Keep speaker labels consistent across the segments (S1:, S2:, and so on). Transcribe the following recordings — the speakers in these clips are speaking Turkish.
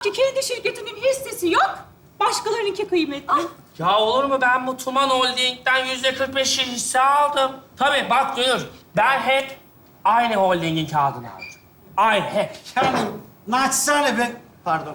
S1: ki kendi şirketinin hissesi yok. Başkalarınınki kıymetli.
S2: Ya olur mu? Ben bu Tuman Holding'den %45 hisse aldım. Tabii bak Dünür, ben hep aynı holdingin kağıdını aldım. Aynı hep.
S3: Yani naçizane ben... Pardon.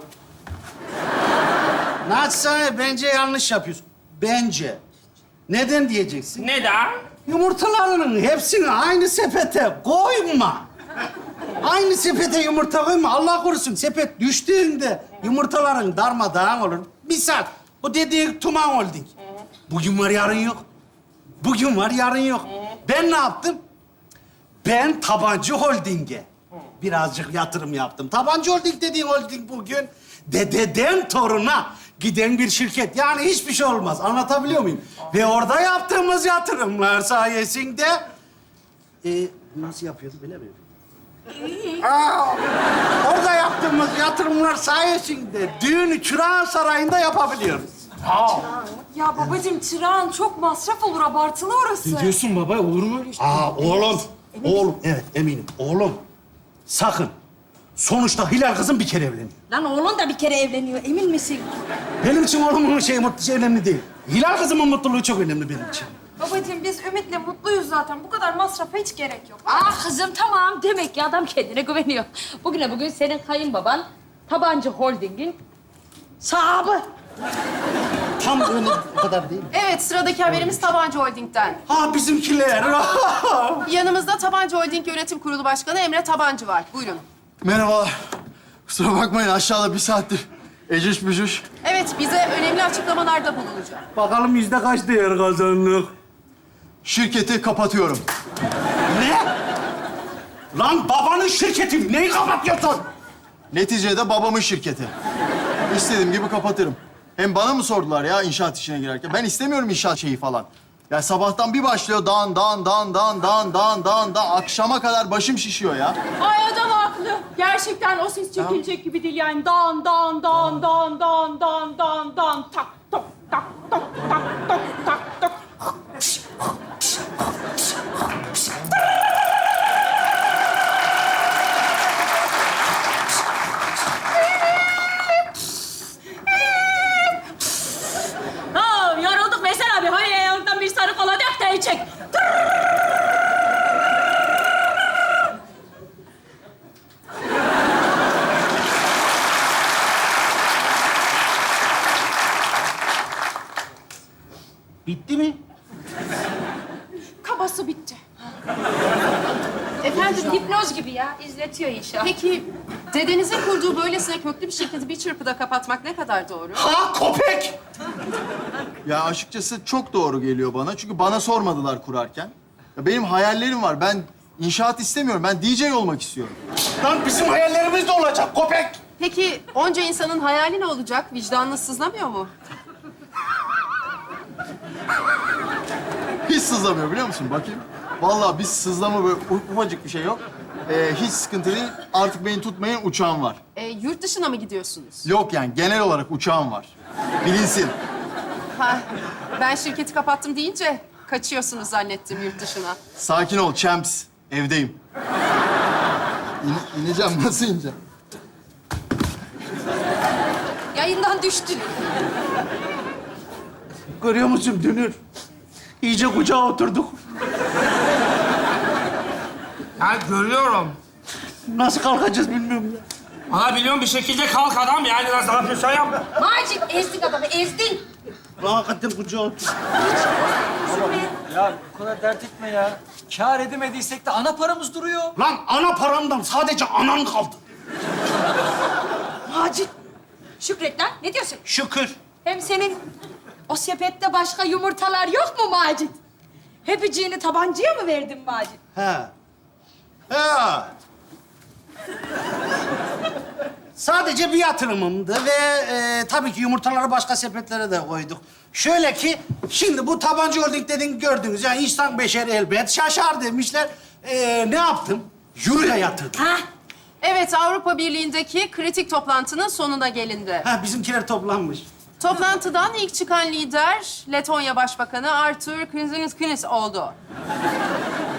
S3: Naçizane bence yanlış yapıyorsun. Bence. Neden diyeceksin?
S2: Neden?
S3: Yumurtalarının hepsini aynı sepete koyma. Aynı sepete yumurta koyma. Allah korusun sepet düştüğünde yumurtaların darmadağın olur. Misal bu dediğin Tuman Holding. Bugün var yarın yok. Bugün var yarın yok. Ben ne yaptım? Ben Tabancı Holding'e birazcık yatırım yaptım. Tabancı Holding dediğin holding bugün dededen toruna giden bir şirket. Yani hiçbir şey olmaz. Anlatabiliyor muyum? Ve orada yaptığımız yatırımlar sayesinde... nasıl yapıyordu bilemiyorum. Orada yaptığımız yatırımlar sayesinde düğünü Çırağan Sarayı'nda yapabiliyoruz.
S4: Ya babacığım çırağın çok masraf olur, abartılı orası.
S5: Diyorsun baba, olur mu öyle şey?
S3: Oğlum. Oğlum, evet eminim. Oğlum, sakın. Sonuçta Hilal kızım bir kere evleniyor.
S4: Lan oğlun da bir kere evleniyor, emin misin?
S3: Benim için oğlumun mutlusu önemli değil. Hilal kızımın mutluluğu çok önemli benim için.
S4: Babacığım biz Ümit'le mutluyuz zaten. Bu kadar masrafa hiç gerek yok.
S1: Ah kızım tamam. Demek ki adam kendine güveniyor. Bugüne bugün senin kayınbaban Tabancı Holding'in sahibi.
S3: Tam öyle o kadar değil.
S6: Evet, sıradaki haberimiz Tabancı Holding'den.
S3: Ha bizimkiler.
S6: Yanımızda Tabancı Holding Yönetim Kurulu Başkanı Emre Tabancı var. Buyurun.
S5: Merhabalar. Kusura bakmayın, aşağıda bir saattir ecüş bücüş.
S6: Evet, bize önemli açıklamalarda bulunacak.
S3: Bakalım yüzde kaç değer kazandık?
S5: Şirketi kapatıyorum.
S3: Ne? Lan babanın şirketi. Neyi kapatıyorsun?
S5: Neticede babamın şirketi. İstediğim gibi kapatırım. Hem bana mı sordular ya inşaat işine girerken? Ben istemiyorum inşaat şeyi falan. Ya sabahtan bir başlıyor dan. Akşama kadar başım şişiyor ya.
S1: Ay adam haklı. Gerçekten o ses çekilecek gibi değil yani. Dan tak tok tak tok tak tok tak tok. Ha, yorulduk Veysel abi. Hadi yanından bir sarı kola dök de içek.
S3: Bitti mi?
S4: Kabası bitti.
S1: Efendim hipnoz gibi ya. İzletiyor inşallah.
S6: Peki, dedenizin kurduğu böylesine köklü bir şirketi bir çırpıda kapatmak ne kadar doğru?
S3: Ha köpek!
S5: Ya açıkçası çok doğru geliyor bana. Çünkü bana sormadılar kurarken. Ya benim hayallerim var. Ben inşaat istemiyorum. Ben DJ olmak istiyorum.
S3: Lan bizim hayallerimiz de olacak köpek!
S6: Peki, onca insanın hayali ne olacak? Vicdanınız sızlamıyor mu?
S5: Hiç sızlamıyor biliyor musun? Bakayım. Vallahi biz sızlama böyle ufacık bir şey yok. Hiç sıkıntı değil. Artık beni tutmayın, uçağım var.
S6: Yurt dışına mı gidiyorsunuz?
S5: Yok yani genel olarak uçağım var. Bilinsin.
S6: Ha, ben şirketi kapattım deyince kaçıyorsunuz zannettim yurt dışına.
S5: Sakin ol champs. Evdeyim. İneceğim. Nasıl ineceğim?
S4: Yayından düştü.
S3: Görüyor musun Dünür? İyice kucağa oturduk.
S2: Ben görüyorum.
S3: Nasıl kalkacağız bilmiyorum ya.
S2: Ama biliyorum bir şekilde kalk adam yani nasıl yapıyorsan yap.
S1: Macit ezdin adamı ezdin.
S3: Lan hakikaten kucağa oturduk.
S7: Ya bu kadar dert etme ya. Kâr edemediysek de ana paramız duruyor.
S3: Lan ana paramdan sadece anan kaldı.
S1: Macit. Şükret lan. Ne diyorsun?
S3: Şükür.
S1: Hem senin o sepette başka yumurtalar yok mu Macit? Hepiciğini tabancaya mı verdin Macit?
S3: He. He. Sadece bir yatırımımdı ve tabii ki yumurtaları başka sepetlere de koyduk. Şöyle ki, şimdi bu Tabancı Holding dediğini gördünüz. Yani insan beşeri elbet şaşar demişler. Ne yaptım? Euro'ya yatırdım.
S1: Ha?
S6: Evet, Avrupa Birliği'ndeki kritik toplantının sonuna gelindi.
S3: Ha, bizimkiler toplanmış.
S6: Toplantıdan ilk çıkan lider Letonya Başbakanı Artur Kriziniskis oldu.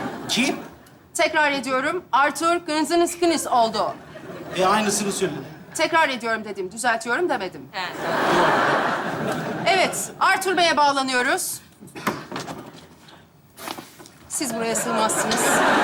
S3: Kim?
S6: Tekrar ediyorum, Artur Kriziniskis oldu.
S3: Aynısını söyledi.
S6: Tekrar ediyorum dedim, düzeltiyorum demedim. Evet, Arthur Bey'e bağlanıyoruz. Siz buraya sığmazsınız.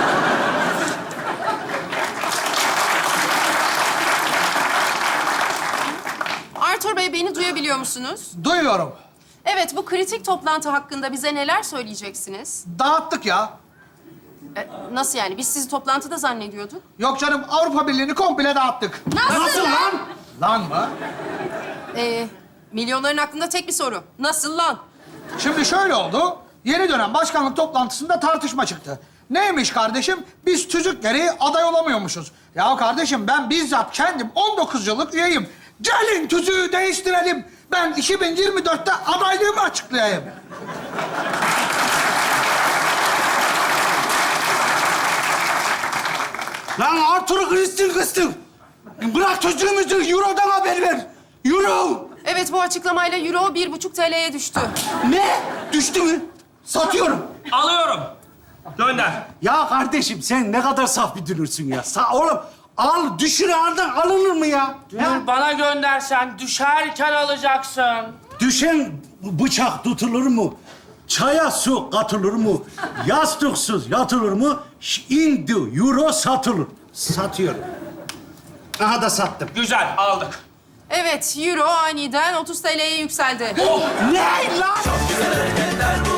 S6: Arthur Bey, beni duyabiliyor musunuz?
S8: Duyuyorum.
S6: Evet, bu kritik toplantı hakkında bize neler söyleyeceksiniz?
S8: Dağıttık ya.
S6: Nasıl yani? Biz sizi toplantıda zannediyorduk.
S8: Yok canım, Avrupa Birliği'ni komple dağıttık.
S3: Nasıl lan?
S8: Lan mı?
S6: Milyonların aklında tek bir soru. Nasıl lan?
S8: Şimdi şöyle oldu. Yeni dönem başkanlık toplantısında tartışma çıktı. Neymiş kardeşim? Biz tüzük gereği aday olamıyormuşuz. Ya kardeşim ben bizzat kendim 19 yıllık üyeyim. Gelin tüzüğü değiştirelim. Ben 2024'te adaylığımı açıklayayım.
S3: Lan Arthur'u kıstın. Bırak çocuğumuzu, Euro'dan haber ver. Euro.
S6: Evet, bu açıklamayla euro 1,5 TL'ye düştü.
S3: Ne? Düştü mü? Satıyorum.
S2: Alıyorum. Gönder.
S3: Ya kardeşim sen ne kadar saf bir dünürsün ya. Oğlum al, düşür ağırdan alınır mı ya?
S2: Dur, bana göndersen düşerken alacaksın.
S3: Düşen bıçak tutulur mu? Çaya su katılır mı? Yastıksız yatılır mı? Indi, euro satılır. Satıyorum. Aha da sattım.
S2: Güzel, aldık.
S6: Evet, euro aniden 30 TL'ye yükseldi.
S3: Ne lan?
S9: Güzel hareketler bu